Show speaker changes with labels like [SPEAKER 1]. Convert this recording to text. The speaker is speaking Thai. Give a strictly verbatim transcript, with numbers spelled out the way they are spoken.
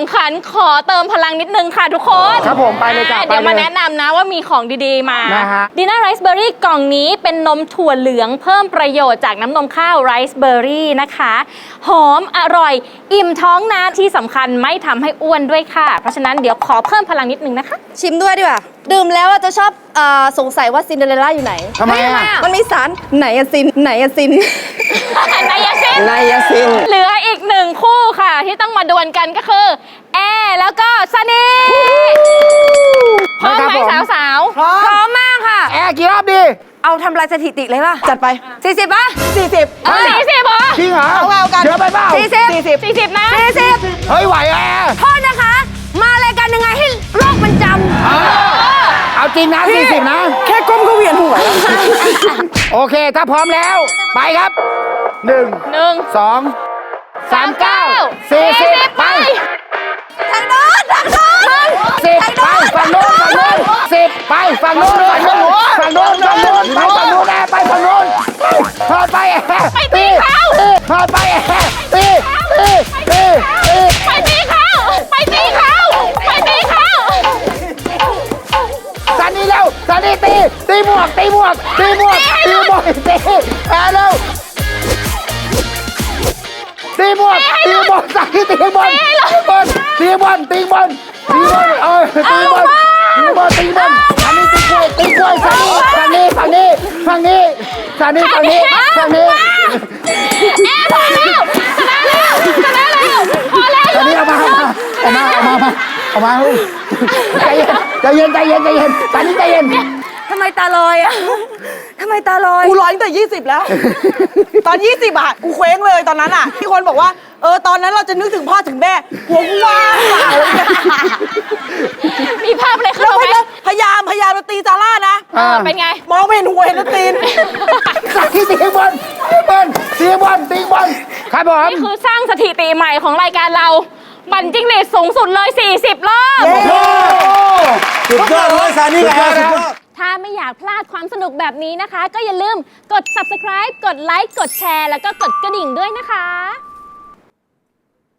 [SPEAKER 1] ำขันขอเติมพลังนิดนึงค่ะทุกคน
[SPEAKER 2] ครับผมไปเลยจ้ะ
[SPEAKER 1] เดี๋ยวมาแนะนำนะว่ามีของดีๆมา
[SPEAKER 2] นะฮะ
[SPEAKER 1] ดีน่าไรซ์เบอร์รี่กล่องนี้เป็นนมถั่วเหลืองเพิ่มประโยชน์จากน้ำนมข้าวไรซ์เบอร์รี่นะคะหอมอร่อยอิ่มท้องนะที่สำคัญไม่ทำให้อ้วนด้วยค่ะเพราะฉะนั้นเดี๋ยวขอเพิ่มพลังนิดนึงนะคะ
[SPEAKER 3] ชิมด้วยดีกว่าดื่มแล้วจะชอบอสงสัยว่าซินเดอเรลล่าอยู่ไหน
[SPEAKER 2] ทำไมอ่ะ
[SPEAKER 3] มันมีสารไหนอะซินไหนอะซิน
[SPEAKER 1] ไนยาซิน
[SPEAKER 2] ไนยาซิน
[SPEAKER 1] เหลืออีกหนึ่งคู่ค่ะที่ต้องมาดวลกันก็คือแอร์แล้วก็ซันนี่พร้อมไหมสาวๆ
[SPEAKER 3] พร้อมพร้อมมากค่ะ
[SPEAKER 2] แอร์กี่รอบดี
[SPEAKER 3] เอาทำลายสถิติเลยป่ะจัดไปสี่สิบป่ะ
[SPEAKER 2] สี่สิบ
[SPEAKER 1] สี่สิบเหรอ
[SPEAKER 2] จริงเหรอ
[SPEAKER 3] เอากัน
[SPEAKER 2] เยอะไปเปล่า
[SPEAKER 3] สี่สิบ
[SPEAKER 1] สี่สิบสี่สิบนะ
[SPEAKER 3] สี่สิบ
[SPEAKER 2] เฮ้ยไหวแอร์
[SPEAKER 3] โทษนะคะมารายการยังไงให้โลกมันจำ
[SPEAKER 2] เอาจริงนะสี่สิบนะ
[SPEAKER 3] แค่ก้มก็เวียนหัว
[SPEAKER 2] โอเคถ้าพร้อมแล้วไปครับหนึ่ง
[SPEAKER 1] หนึ่ง
[SPEAKER 2] สองสามเก้าสี่สิบไป
[SPEAKER 3] ทางโน้นทางโน้น
[SPEAKER 2] สิบไปฝั่งโน้นฝั่งโน้นสิบไปฝั่งโน้นฝั่งโน้นฝั่งโน้นฝั่งโน้นไปฝั่งโน้นแอร์ไปฝั่งโน้นพอดไปแอร์ตีพอดไปแอร์ตีตีตีตี
[SPEAKER 1] ไปตีเขาไปตีเขาไปตีเขา
[SPEAKER 2] ซันนี่เร็วซันนี่ตีตีหมวกตีหมวกตีหมวกตีหมวกตีแอร์เร็วตีบอลตีบอลใส่ตีบอลตีบอลตีบอลตีบอลเออตีบอลตีบอลตีบอลอันนี้ตีกล้วยตีกล้วยฝั่งนี้ฝั่งนี้ฝั่งนี้ฝั่งนี้ฝั่งนี้ฝั่งนี้ฝั่งนี้
[SPEAKER 1] แอร์พอแล้วชนะแล้วชนะแล้วพอแล้ว
[SPEAKER 2] อันนี้เอามาเอามาเอามาเอามาใจเย็นใจเย็นใจเย็นใจเย็นตอนนี้ใจเย็น
[SPEAKER 3] ทำไมตาลอยอ่ะทำไมตาลอย
[SPEAKER 4] กูร้อยตั้งแต่ยี่สิบแล้ว ตอนยี่สิบอ่ะกูเคว้งเลยตอนนั้นอ่ะที่คนบอกว่าเออตอนนั้นเราจะนึกถึงพ่อถึงแม่หัวกูว่างเปล่า
[SPEAKER 1] มีภาพอะไรเข้าไหม
[SPEAKER 4] พยายามพยายามมาตีซาร่านะ
[SPEAKER 1] เป็นไง
[SPEAKER 4] มองไม่เห็นหัวเห็นแต่ตีน
[SPEAKER 2] ตีตีบอลตีบอลตีบอลตีบอลครับผม
[SPEAKER 1] นี่คือสร้างสถิติใหม่ของรายการเราบันจิ้งหรีดสูงสุดเลยสี่สิบรอบ
[SPEAKER 2] สุดยอดเลยซานี่แอร์สุดยอด
[SPEAKER 1] ถ้าไม่อยากพลาดความสนุกแบบนี้นะคะก็อย่าลืมกด ซับสไครบ์ กดไลค์ กดแชร์ แล้วก็กดกระดิ่งด้วยนะคะ